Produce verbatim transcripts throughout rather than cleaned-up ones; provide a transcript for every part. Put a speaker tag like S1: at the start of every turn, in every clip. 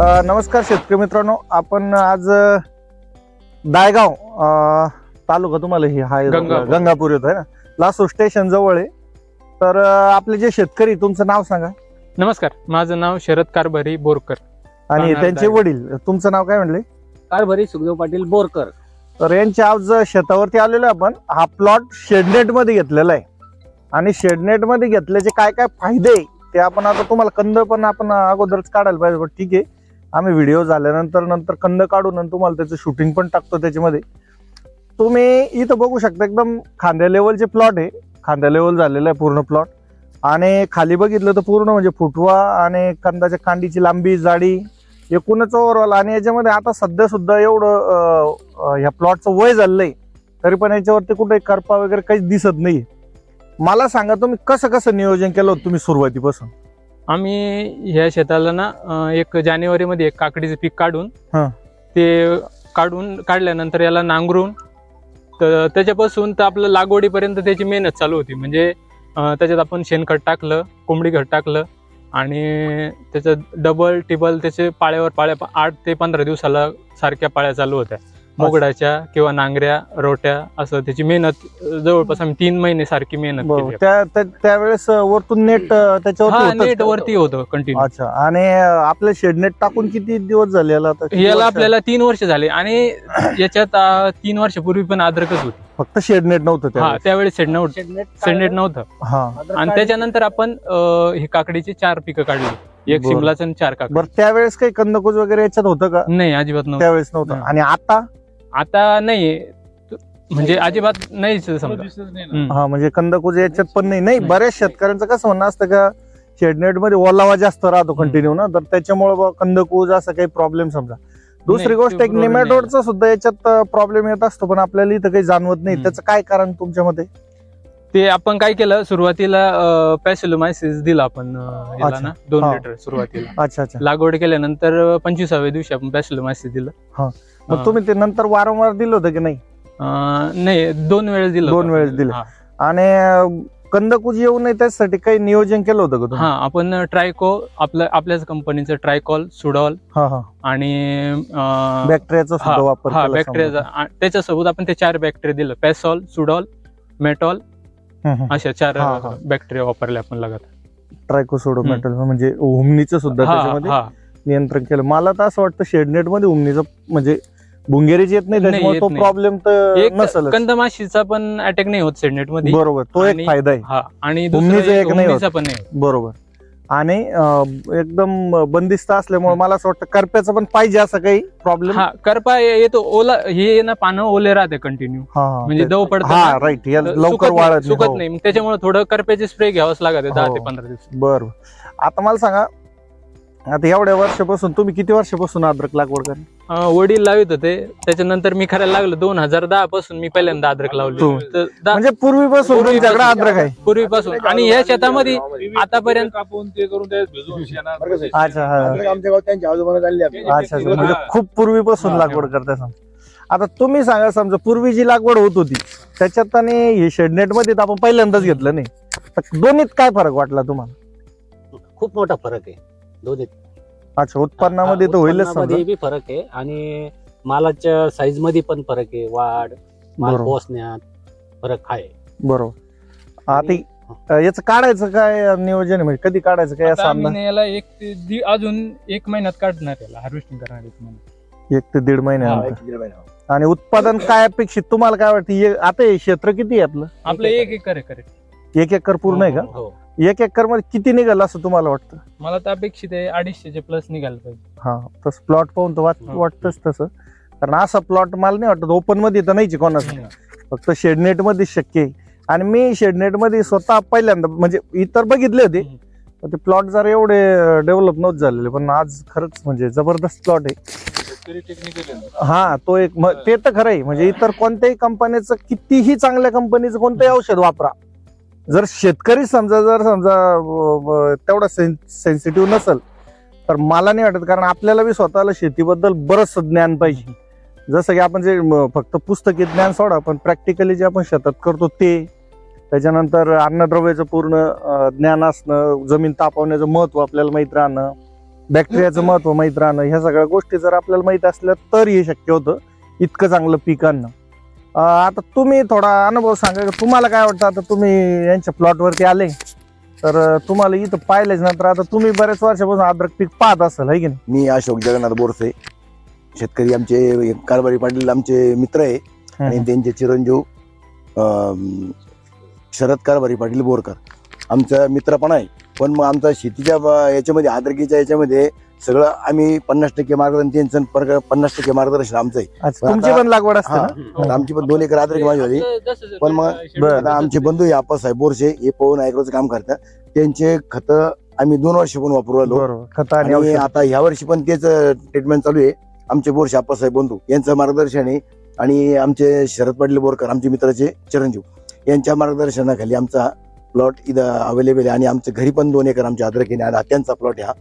S1: अ, नमस्कार शेतकरी मित्रांनो, आपण आज अ, दायगाव अ, तालुका तुम्हाला हे हा
S2: गंगापूर.
S1: गंगापूर येतो आहे ना, लासूर स्टेशन जवळ आहे. तर अ, आपले जे शेतकरी, तुमचं नाव सांगा.
S2: नमस्कार, माझं नाव शरद कारभारी बोरकर
S1: आणि
S2: राहणार
S1: त्यांचे
S2: दायगाव.
S1: वडील, तुमचं नाव काय म्हणले?
S3: कारभारी सुखदेव पाटील बोरकर.
S1: तर यांच्या आज शेतावरती आलेलो आपण. हा प्लॉट शेडनेट मध्ये घेतलेला आहे आणि शेडनेट मध्ये घेतल्याचे काय काय फायदे आहे ते आपण आता तुम्हाला, कंद पण आपण अगोदरच काढायला पाहिजे, पण ठीक आहे, आम्ही व्हिडिओ झाल्यानंतर नंतर कंद काढून आणि तुम्हाला त्याचं शूटिंग पण टाकतो त्याच्यामध्ये. तुम्ही इथं बघू शकता, एकदम खांद्या लेवलचे प्लॉट आहे, खांद्या लेवल झालेला आहे पूर्ण प्लॉट. आणि खाली बघितलं तर पूर्ण म्हणजे फुटवा आणि कंदाच्या कांडीची लांबी, जाडी, एकूणच ओव्हरऑल. आणि याच्यामध्ये आता सध्या सुद्धा एवढं अं, अं, ह्या प्लॉटचं वय झालेलं आहे, तरी पण याच्यावरती कुठे करपा वगैरे काहीच दिसत नाही. मला सांगा, तुम्ही कसं कसं नियोजन केलं होतं तुम्ही सुरुवातीपासून?
S2: आम्ही ह्या शेताला ना अं, एक जानेवारी मध्ये एक काकडीचं पीक काढून
S1: हा.
S2: ते काढून काढल्यानंतर याला नांगरून तर त्याच्यापासून तर आपलं लागवडीपर्यंत त्याची मेहनत चालू होती. म्हणजे अं, त्याच्यात आपण शेणखत टाकलं, कोंबडी खत टाकलं आणि त्याचं डबल टिबल त्याचे पाळ्यावर पाळ्या आठ ते पंधरा दिवसाला सारख्या पाळ्या चालू होत्या, मोगडाच्या किंवा नांगऱ्या रोट्या, असं त्याची मेहनत जवळपास आम्ही तीन महिने सारखी मेहनत
S1: बरोबर.
S2: केली.
S1: त्या त्या- त्यावेळेस वरतून नेट त्याच्यावरती
S2: हा,
S1: होतंच
S2: नेट
S1: का?
S2: वरती होतं कंटिन्यू.
S1: अच्छा. आणि आपलं शेड नेट टाकून किती दिवस झाले याला आता? किती
S2: याला
S1: वर्ष?
S2: आपल्याला तीन वर्ष झाले आणि याच्यात अं, तीन वर्षापूर्वी पण अद्रकच होती.
S1: फक्त शेड नेट नव्हतं
S2: हा,
S1: त्यावेळेस?
S2: त्यावेळेस सेड नव्हतं, सेडनेट नव्हतं.
S1: हा.
S2: आणि त्याच्यानंतर आपण अं, हे काकडीचे चार पिकं काढली, एक
S1: बरं.
S2: शिमलाचं आणि चार काकडी.
S1: बरं, त्यावेळेस काही कंदकुज वगैरे याच्यात होतं का?
S2: नाही, अजिबात नव्हतं.
S1: त्यावेळेस नव्हतं.
S2: नाही.
S1: आणि आता?
S2: आता नाही, म्हणजे अजिबात नाहीच समजा. हम्म.
S1: हा, म्हणजे कंदकुज याच्यात पण नाही. नाही,
S2: नाही.
S1: बऱ्याच शेतकऱ्यांचं कसं म्हणणं असतं का शेडनेट मध्ये ओलावा जास्त राहतो कंटिन्यू ना, तर त्याच्यामुळे कंदकुज असं काही प्रॉब्लेम समजा. दुसरी
S2: नाही,
S1: गोष्ट,
S2: ते
S1: एक
S2: problem
S1: निमॅटोडचा सुद्धा याच्यात प्रॉब्लेम येत असतो, पण आपल्याला इथं काही जाणवत नाही.
S2: हम्म.
S1: त्याचं काय कारण तुमच्या मध्ये?
S2: ते आपण काय केलं, सुरुवातीला पॅसिलोमायसिस दिला आपण अं, याला
S1: अच्छा.
S2: ना दोन
S1: हा.
S2: लिटर सुरुवातीला.
S1: अच्छा अच्छा.
S2: लागवड केल्यानंतर पंचवीसाव्या दिवशी आपण पॅसिलोमायसिस दिलं.
S1: हा. मग
S2: अं,
S1: तुम्ही ते नंतर वारंवार दिलं होतं की नाही?
S2: अं, नाही, दोन वेळेस दिलं
S1: दोन
S2: होतं.
S1: वेळेस दिलं.
S2: हा.
S1: आणि अं, कंदकुज येऊ नये त्यासाठी काही नियोजन केलं होतं का तुम्ही?
S2: हा, आपण ट्रायको, आपलं आपल्याच कंपनीचं ट्रायकॉल, सुडॉल
S1: हा हा.
S2: आणि अं,
S1: बॅक्टेरियाचा सुद्धा वापर
S2: हा,
S1: केला
S2: बॅक्टेरियाचा.
S1: समजा.
S2: आ- त्याच्यासोबत आपण ते चार बॅक्टेरिया दिलं, पॅसॉल, सुडॉल, मेटॉल,
S1: हम्म, हम्म.
S2: अशा चार
S1: हा, हा.
S2: बॅक्टेरिया वापरले आपण लगातार.
S1: ट्रायकोसोडोमेटल म्हणजे हुमणीचं सुद्धा
S2: हा,
S1: त्याच्यामध्ये
S2: हा.
S1: नियंत्रण केलं. मला तर असं वाटतं शेडनेट मध्ये हुमणीचं म्हणजे बुंगेरीच येत नाही,
S2: नाही,
S1: त्याच्यामुळे
S2: येत
S1: तो
S2: नाही.
S1: प्रॉब्लेम तर
S2: एक
S1: नसेल.
S2: कंदमाशीचा पण अटॅक नाही होत सेडनेट मध्ये.
S1: बरोबर, तो एक
S2: आणि-
S1: फायदा आहे.
S2: हा, आणि
S1: हुमणीचं
S2: दुसरं
S1: एक नाही होत.
S2: हुमणीचा पण नाही होत.
S1: बरोबर. आणि अं, एकदम बंदिस्त असल्यामुळे मला असं वाटतं करप्याचं पण पाहिजे असं काही प्रॉब्लेम.
S2: हा, करपा येतो, ओला, हे ना पानं ओले राहते कंटिन्यू, म्हणजे दव पडतं
S1: हा
S2: ना,
S1: राईट,
S2: तर
S1: लवकर
S2: सुकत नाही-
S1: वाळत
S2: सुकत
S1: हो.
S2: नाही. मग त्याच्यामुळे थोडं करप्याचे स्प्रे घ्यावंच लागत दहा
S1: हो.
S2: ते पंधरा दिवस.
S1: बरं. आता मला सांगा, आता एवढ्या वर्षापासून तुम्ही किती वर्षापासून अद्रक लागवड करा?
S2: अं, वडील लावित होते, त्याच्यानंतर मी करायला लागलो. दोन हजार दहा पासून मी पहिल्यांदा अद्रक लावली.
S1: तू?
S2: तर दा-
S1: म्हणजे पूर्वीपासून तुमच्याकडे अद्रक आहे?
S2: पूर्वीपासून. आणि या शेतामध्ये आतापर्यंत
S4: कापून ते करून ते भिजवून शेणात
S1: अच्छा. हा.
S4: आमच्या गावात त्यांच्या आजोबाला चालली
S1: अच्छा अच्छा. म्हणजे खूप पूर्वीपासून
S4: हा.
S1: लागवड करताय समजा. आता तुम्ही सांगा, समजा पूर्वी जी लागवड होत होती त्याच्यात आणि हे शेडनेट मध्ये तर आपण पहिल्यांदाच घेतलं नाही, तर दोन्हीत काय फरक वाटला तुम्हाला?
S3: खूप मोठा फरक आहे दोन्ही.
S1: अच्छा, उत्पन्नामध्ये तर होईलच
S3: उत्पन्नामध्ये
S1: समजा.
S3: बी फरक आहे आणि मालाच्या साईज मध्ये पण फरक आहे. वाढ, माल
S1: बरोबर.
S3: पोहोचण्यात फरक आहे.
S1: बरोबर. आता याचं काढायचं काय नियोजन आहे, म्हणजे कधी काढायचं काय असं
S2: आता आम्ही
S1: अंदाज?
S2: ना याला एक ते दि- अजून एक महिन्यात काढणार, याला हार्वेस्टिंग करणार एक महिन्यात.
S1: एक ते दीड महिन्यानंतर. आणि उत्पादन काय अपेक्षित तुम्हाला काय वाटतं? हे- आता हे क्षेत्र किती आहे आपलं?
S2: आपलं एक एकर आहे करेक्ट.
S1: एक एकर पूर्ण आहे का?
S3: हो.
S1: एक एकर मध्ये किती निघाल असं तुम्हाला वाटतं?
S2: मला तर अपेक्षित आहे अडीचशेचे प्लस निघायला पाहिजे.
S1: हा, तसं प्लॉट पाहून तर वाट-
S2: हा.
S1: वाटतंच तसं. कारण असा प्लॉट मला नाही वाटत ओपन मध्ये तर नाहीच कोणाचं, फक्त शेडनेट मध्ये शक्य आहे. आणि मी शेडनेट मध्ये स्वतः पहिल्यांदा, म्हणजे इतर बघितले होते,
S2: हम्म.
S1: पण ते प्लॉट जरा एवढे डेव्हलप नव्हते झालेले, पण आज खरंच म्हणजे जबरदस्त प्लॉट आहे. हा, तो एक म- ते तर खरं आहे. म्हणजे इतर कोणत्याही कंपनीचं, कितीही चांगल्या कंपनीचं कोणतंही औषध वापरा, जर शेतकरी समजा जर समजा अं, अं, तेवढा सेन्सिटिव्ह नसेल तर मला नाही वाटत. कारण आपल्याला बी स्वतःला शेतीबद्दल बरंच ज्ञान पाहिजे. जसं की आपण जे म, फक्त पुस्तकी ज्ञान सोडा, पण प्रॅक्टिकली जे आपण शेतात करतो ते, त्याच्यानंतर अन्नद्रव्याचं पूर्ण अं, ज्ञान असणं, जमीन तापवण्याचं महत्व आपल्याला माहित राहणं, बॅक्टेरियाचं महत्व माहीत राहणं, ह्या सगळ्या गोष्टी जर आपल्याला माहित असल्या तर हे शक्य होतं इतकं चांगलं पीक आणणं. अं, आता तुम्ही थोडा अनुभव सांगा की तुम्हाला काय वाटतं. आता तुम्ही यांच्या प्लॉटवरती आले तर अं, तुम्हाला इथं पाहिलेच नंतर आता तुम्ही बऱ्याच वर्षापासून अद्रक पीक पाहत असाल है की नाही.
S5: मी अशोक जगन्नाथ बोरसे, शेतकरी आमचे कारभारी पाटील आमचे मित्र आहे आणि त्यांचे चिरंजीव अं, शरद कारभारी पाटील बोरकर आमचा मित्र पण आहे. पण मग आमचा शेतीच्या ब- याच्यामध्ये आद्रकीच्या याच्यामध्ये सगळं आम्ही पन्नास टक्के मार्गदर्शन त्यांचं पर- पन्नास टक्के मार्गदर्शन आमचं आहे.
S1: अच्छा, तुमची पण लागवड असते
S5: हा,
S1: ना.
S5: आता आमची पण दोन एकर आद्रकी माझी होती. पण मग आता आमचे बंधू आहे आप्पासाहेब बोरसे, हे पवन ॲग्रोचं काम करतात. त्यांचे खत आम्ही दोन वर्ष पण वापरू आलो
S1: बरोबर, खत आणि
S5: आणि
S1: औषध.
S5: आता ह्या वर्षी पण तेच ट्रीटमेंट चालू आहे. आमचे बोरसे आप्पासाहेब बंधू यांचं मार्गदर्शन आहे आणि आमचे शरद पाटील बोरकर आमचे मित्राचे चिरंजीव यांच्या मार्गदर्शनाखाली आमचा प्लॉट इथं अवेलेबल आहे आणि आमच्या घरी पण दोन एकर आमच्या अद्रक आहे आणि त्यांचा प्लॉट हा.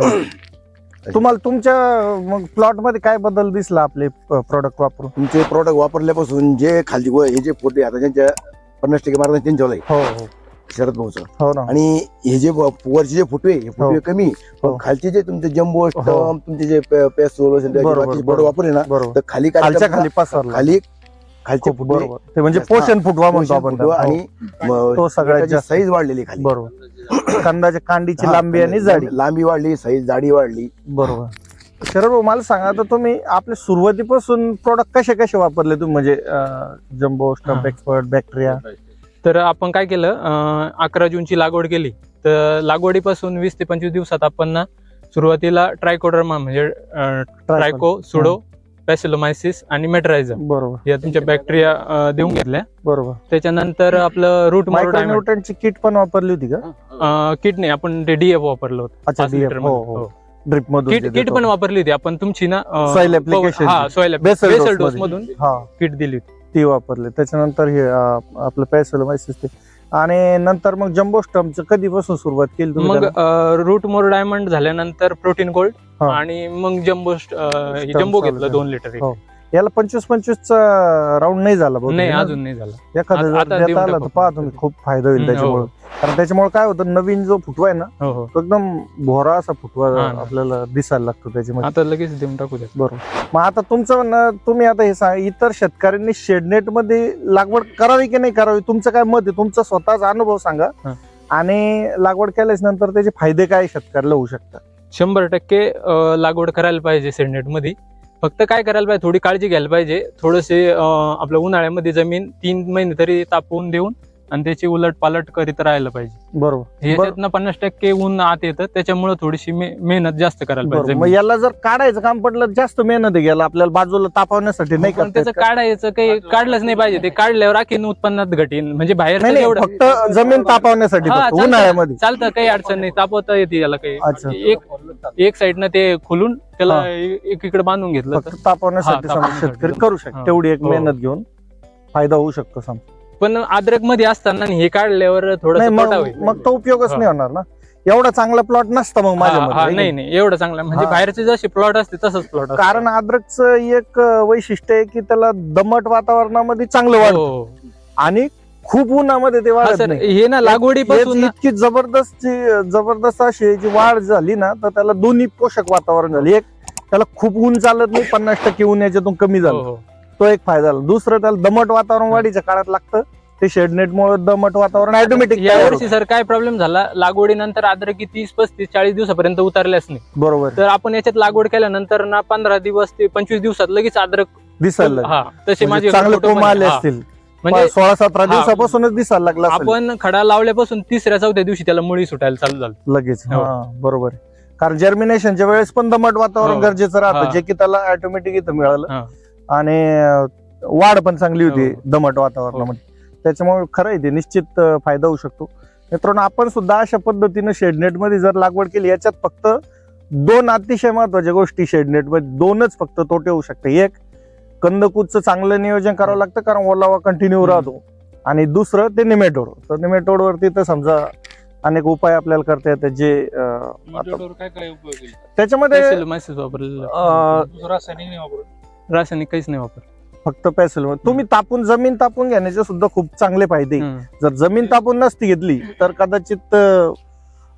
S1: बरोबर. तुम्हाला तुमच्या मग प्लॉट मध्ये काय बदल दिसला आपले प्रोडक्ट वापरून.
S5: तुमचे प्रोडक्ट वापरल्यापासून जे खाली व- हे जे फोटे आता ज्यांच्या पन्नास टक्के मार्गदर्शन त्यांच्यावर आहे
S1: हो हो
S5: शरद भाऊचं.
S1: हो ना.
S5: आणि हे जे व- वरचे जे फुटवे हे फुटवे कमी
S1: हो.
S5: पण खालचे जे तुमचे जम्बो
S1: हो.
S5: तुमचे जे पेस्टोल
S1: बरोबर,
S5: बोर्ड
S1: बरोबर.
S5: वापरले ना
S1: बरोबर,
S5: तर खाली काय
S1: खालच्या
S5: करतात?
S1: खाली पसरला.
S5: खाली खालचे
S1: खूप
S5: फुटवे
S1: बरोबर, ते म्हणजे
S5: हा.
S1: पोषण फुटवा म्हणतो आपण
S5: फुटवा
S1: त्याला.
S5: आणि
S1: हो. तो सगळ्यात जास्त
S5: साईज वाढलेली खाली.
S1: बरोबर. कंदाच्या कांडीची
S5: हा,
S1: लांबी आणि जाडी.
S5: लांबी वाढली, साईज जाडी वाढली.
S1: बरोबर. शरद भाऊ मला सांगा, आता तुम्ही आपल्या सुरुवातीपासून प्रोडक्ट कसे कसे वापरले तुम्ही, म्हणजे जम्बो स्टम्प
S2: हा.
S1: Expert bacteria.
S2: तर आपण काय केलं, अं, अकरा जूनची लागवड केली. तर लागवडीपासून वीस ते पंचवीस दिवसात आपण ना सुरुवातीला ट्रायकोडर्मा म्हणजे अं, ट्रायको सुडो पॅसिलोमायसिस आणि मेट्रायझम
S1: बरोबर
S2: या तुमच्या बॅक्टेरिया देऊन घेतल्या.
S1: बरोबर.
S2: त्याच्यानंतर आपलं रूट
S1: मायक्रोन्यूट्रनची किट पण वापरली होती का.
S2: किट नाही, आपण ते डीएफ वापरलं होतं.
S1: अच्छा,
S2: पाच
S1: D F,
S2: लिटर
S1: हो, हो. ड्रिप मधून
S2: किट किट पण वापरली होती आपण तुमची ना अं,
S1: Soil application
S2: हा
S1: ची.
S2: Soil
S1: Basal dose
S2: basal dose
S1: मध्ये.
S2: मधून
S1: हा
S2: किट दिली होती.
S1: ती वापरली. त्याच्यानंतर हे अं, आपलं पॅसिलोमायसिस ते, आणि नंतर मग जम्बो स्टम्पचं कधीपासून सुरुवात केली तुम्ही
S2: मग
S1: त्याला?
S2: रूट मोर डायमंड झाल्यानंतर प्रोटीन गोल्ड
S1: हा.
S2: आणि मग जम्बो जम्बो
S1: चालू
S2: घेतलं दोन लिटर एक.
S1: हो. याला पंचवीस पंचवीसचा राऊंड नाही झाला बहुतेक
S2: नाही
S1: ना?
S2: अजून नाही झालं.
S1: एखादं
S2: आता-
S1: जर
S2: आता
S1: देता
S2: देऊन
S1: आलं तर
S2: टाकू.
S1: पहा तुम्ही, खूप फायदा होईल
S2: हम्म,
S1: त्याच्यामुळे.
S2: हो.
S1: कारण त्याच्यामुळे काय होतं, नवीन जो फुटवा आहे ना
S2: हो हो
S1: तो एकदम भोरा असा फुटवा
S2: हा ना.
S1: आपल्याला दिसायला लागतो त्याच्यामध्ये.
S2: आता लगेच देऊन टाकू द्या.
S1: बरोबर. मग आता तुमचं म्हणणं, तुम्ही आता हे सांगा, इतर शेतकऱ्यांनी शेडनेट मध्ये लागवड करावी की नाही करावी, तुमचं काय मत आहे, तुमचा स्वतःचा अनुभव सांगा.
S2: हा.
S1: आणि लागवड केल्याच नंतर त्याचे फायदे काय शेतकऱ्याला होऊ शकतात.
S2: शंभर टक्के अं, लागवड करायला पाहिजे सेडनेट मध्ये. फक्त काय करायला पाहिजे, थोडी काळजी घ्यायला पाहिजे. थोडेसे आपल्या उन्हाळ्यामध्ये जमीन तीन महिने तरी तापवून देऊन आणि त्याची उलट पालट करीत राहायला पाहिजे.
S1: बरोबर.
S2: ह्याच्यातनं पन्नास टक्के ऊन आत येतं, त्याच्यामुळे थोडीशी मे- मेहनत जास्त करायला
S1: बरोबर.
S2: पाहिजे.
S1: मग याला जर काढायचं काम पडलं, जास्त मेहनत आहे याला, आपल्याला बाजूला तापवण्यासाठी नाही
S2: पण
S1: करता
S2: त्याचं
S1: येत का?
S2: काढायचं काही काढलंच नाही पाहिजे. ते काढल्यावर आणखीन उत्पन्नात घटीन, म्हणजे बाहेरचं
S1: नाही नाही,
S2: एवढं
S1: फक्त जमीन तापवण्यासाठी,
S2: हा,
S1: फक्त
S2: चालतं.
S1: उन्हाळ्यामध्ये.
S2: चालतं, काही अडचण नाही, तापवता येते याला काही.
S1: अच्छा.
S2: एक एक साईडनं ते खुलून त्याला
S1: हा.
S2: एक इकडे बांधून घेतलं तर.
S1: फक्त तापवण्यासाठी
S2: हा,
S1: समजा
S2: तापवण्यासाठी.
S1: शेतकरी करू शकतो.
S2: हा.
S1: तेवढी एक
S2: हो.
S1: मेहनत घेऊन फायदा होऊ शकतो समजा.
S2: पण अद्रक मध्ये असताना हे काढल्यावर
S1: नाही
S2: थोडं
S1: मग मग तो उपयोगच
S2: हा.
S1: नाही होणार ना. एवढा चांगला प्लॉट नसता मग माझ्या मते, है की
S2: नाही नाही एवढं चांगलं म्हणजे
S1: हा.
S2: बाहेरचे जसे प्लॉट असते तसंच प्लॉट
S1: कारण अद्रकचं एक वैशिष्ट्य आहे की त्याला दमट वातावरणामध्ये चांगलं वाढतं आणि खूप उन्हामध्ये ते वाढत
S2: सर
S1: नाही.
S2: हे ना लागवडीपासून
S1: याची इतकी जबरदस्त जी- जबरदस्त अशी याची वाढ झाली ना, तर त्याला दोन्ही पोषक वातावरण झाली. एक, त्याला खूप ऊन चालत नाही, पन्नास टक्के ऊन याच्यातून कमी
S2: हो,
S1: झालं,
S2: हो.
S1: तो एक फायदा झाला. दुसरं, त्याला दमट वातावरण वाढीच्या काळात लागतं. ते शेडनेटमुळे दमट वातावरण ऑटोमॅटिक
S2: या वर्षी सर काय प्रॉब्लेम झाला, लागवडीनंतर अद्रकी तीस पस्तीस चाळीस दिवसापर्यंत उतरल्याच नाही.
S1: बरोबर
S2: तर आपण याच्यात लागवड केल्यानंतर ना पंधरा दिवस ते पंचवीस दिवसात लगेच अद्रक
S1: दिसायला लागलं.
S2: हा तसे
S1: म्हणजे
S2: माझे
S1: चांगले
S2: photo
S1: कोंब
S2: पण-
S1: आले
S2: हा.
S1: असतील.
S2: म्हणजे
S1: सोळा सतरा
S2: हा.
S1: दिवसापासूनच दिसायला लागला असेल
S2: आपण खडा लावल्यापासून तिसऱ्या चौथ्या दिवशी त्याला मुळी सुटायला चालू झालं.
S1: लगेच.
S2: हो.
S1: हा, बरोबर आहे. कारण जर्मिनेशनच्या वेळेस पण दमट वातावरण
S2: हो.
S1: गरजेचं राहतं,
S2: हा.
S1: जे की त्याला ऑटोमॅटिक इथं मिळालं.
S2: हा.
S1: आणि अं, वाढ पण चांगली होती
S2: हो.
S1: दमट वातावरणामध्ये. त्याच्यामुळे खरं आहे ते, निश्चित अं, फायदा होऊ शकतो. मित्रांनो, आपण सुद्धा अशा पद्धतीनं शेडनेट मध्ये जर लागवड केली, याच्यात फक्त दोन अतिशय महत्वाच्या गोष्टी शेडनेट मध्ये, दोनच फक्त तोटे होऊ शकते. एक, कंदकुजचं चांगलं नियोजन करावं लागतं, कारण ओलावा कंटिन्यू राहतो. आणि दुसरं, ते निमेटोड. तर निमेटोड वरती तर समजा अनेक उपाय आपल्याला करता येतात, जे अं, आता
S4: काय काय उपयोग आहे?
S1: त्याच्यामध्ये
S2: Pacillomyces वापरलेलं
S1: अं,
S4: दुसरा रासायनिक नाही वापरत.
S2: रासायनिक काहीच नाही वापर.
S1: फक्त पॅसिल तुम्ही तापून, जमीन तापून घेण्याचे सुद्धा खूप चांगले फायदे. जर जमीन तापून नसती घेतली तर कदाचित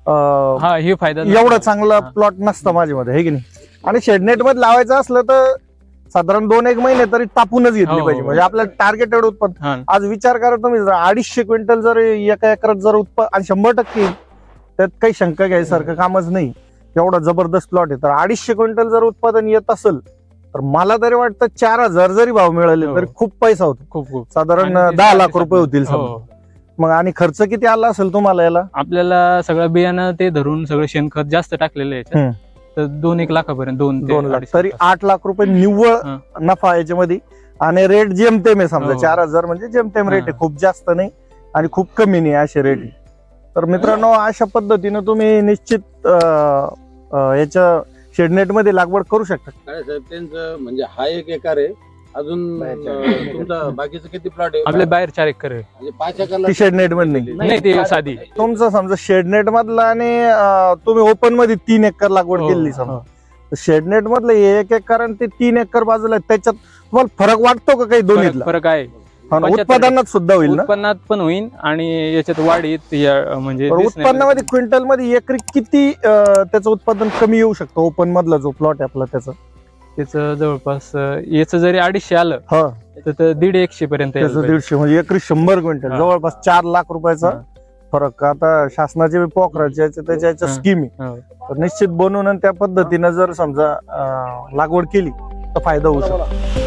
S1: अं,
S2: हा हे फायदा
S1: एवढं चांगलं
S2: हा.
S1: प्लॉट नसतं माझ्या मध्ये, हे की नाही. आणि शेडनेट मध्ये लावायचं असलं तर साधारण दोन एक महिने तरी तापूनच घेतली
S2: हो,
S1: पाहिजे,
S2: हो.
S1: म्हणजे आपल्याला टार्गेटेड उत्पन्न.
S2: हा
S1: आज विचार करा तुम्ही, जर अडीचशे क्विंटल जर एका एकरात जर उत्पन्न, आणि शंभर टक्के त्यात काही शंका घ्यायसारखं कामच नाही, एवढा जबरदस्त प्लॉट आहे. तर अडीचशे क्विंटल जर उत्पादन येत असेल तर मला तरी वाटतं चार हजार जरी भाव मिळाले
S2: हो.
S1: तरी खूप पैसा होतो,
S2: खूप खूप
S1: साधारण
S2: आणि ते
S1: दहा
S2: सारखे
S1: लाख रुपये होतील
S2: हो,
S1: समजा.
S2: हो.
S1: मग आणि खर्च किती आला असेल तुम्हाला याला?
S2: आपल्याला सगळं बियाणं ते धरून सगळं शेणखत जास्त टाकलेलं आहे
S1: हम्म.
S2: याच्यात. तर दोन एक लाखापर्यंत दोन ते
S1: दोन लाख
S2: अडीच
S1: तरी
S2: लाख.
S1: आठ लाख रुपये निव्वळ
S2: हा.
S1: नफा याच्यामध्ये. आणि रेट जेमतेम आहे समजा,
S2: हो.
S1: चार हजार म्हणजे जेमतेम रेट आहे,
S2: हा.
S1: खूप जास्त नाही आणि खूप कमी नाही असे रेट आहे. तर मित्रांनो, अशा पद्धतीनं तुम्ही निश्चित अं, अं, याच्या शेडनेट मध्ये लागवड करू शकता.
S6: काय साहेब त्यांचं म्हणजे हा एक एकर आहे, अजून अं, तुमचा बाकीचं किती प्लॉट आहे?
S2: आपल्या बाहेर चार एकर आहे.
S6: म्हणजे पाच एकरला
S1: ती शेडनेट मध्ये नाही.
S2: नाही ते साधी
S1: तुमचं समजा शेडनेट मधला आणि अं, तुम्ही ओपन मध्ये तीन एकर लागवड
S2: हो,
S1: केली
S2: हो.
S1: समजा, शेडनेट मधलं हे एक एकर आणि ते तीन एकर बाजूला आहे. त्याच्यात तुम्हाला फरक वाटतो का काही
S2: फरक
S1: दोन्हीतला?
S2: फरक आहे.
S1: हा ना,
S2: पंच्याहत्तर
S1: उत्पादनात सुद्धा होईल ना?
S2: उत्पन्नात पण होईल आणि याच्यात वाढीत या- म्हणजे
S1: बरं,
S2: दिसण्यात-
S1: उत्पन्नामध्ये क्विंटल मध्ये एकरी किती अं, त्याचं उत्पादन कमी येऊ शकतं ओपन मधला जो प्लॉट आहे आपला त्याचं?
S2: त्याचं जवळपास अं, याचं जरी अडीचशे आलं
S1: हा,
S2: तर ते दीड एकशे पर्यंत यायला
S1: त्याचं
S2: पाहिजे.
S1: दीडशे म्हणजे एकरी शंभर क्विंटल,
S2: हा.
S1: जवळपास चार लाख रुपयाचा
S2: हा.
S1: फरक. आता शासनाचे पोखराचे याचे- त्याच्या याच्या
S2: हा.
S1: स्कीम आहे,
S2: हो.
S1: तर निश्चित बनवून आणि त्या पद्धतीनं जर समजा अं, लागवड केली तर फायदा होऊ शकतो.